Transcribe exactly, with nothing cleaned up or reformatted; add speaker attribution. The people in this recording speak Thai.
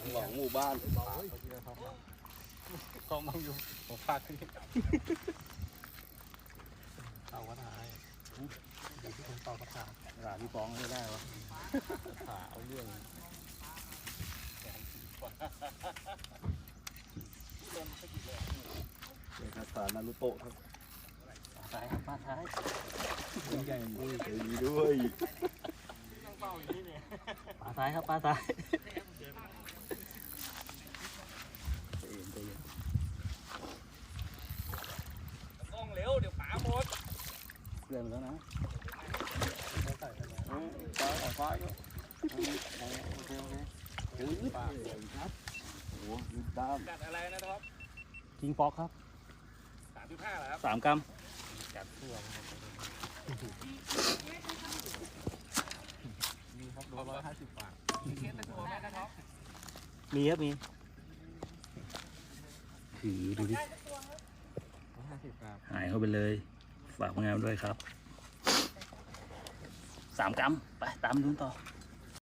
Speaker 1: หวังหมู่บ้าน
Speaker 2: กองมังอยู่ผมพาขึ้นเอากระถายเดี๋ยวที่ผมต่อกระถาหลานพี่ฟ้องไม่ได้วะขาเอาเรื่อง
Speaker 1: เอกสารนารุโตะครับ
Speaker 2: ซ้ายครับมาซ้าย
Speaker 1: ใหญ่ด้วยใจดีด้วย
Speaker 2: ปลาซ้ายครับปลาซ้าย
Speaker 3: ต้องเร็วเดี๋ยวป๋าหมด
Speaker 2: เรื่องแล้วนะ
Speaker 1: ตายออกฟ้าก็โอเคโอเคโอ้ยปากครับโอ้ยยืดตาม
Speaker 3: กัดอะไรนะท็อป
Speaker 2: คิงป๊อกครับ
Speaker 3: สามจุดห้าเหรอครับ
Speaker 2: สามกรัม
Speaker 3: กัดตัวมีครับโลร้อยห้าสิบบาทมีเคสเป็นตัวไหมนะท็อป
Speaker 2: มีครับมีถือดูดิ
Speaker 3: ร้อยห้าสิบครับ
Speaker 2: หายเข้าไปเลยฝากงานด้วยครับสามกรัมไปตามดูต่อ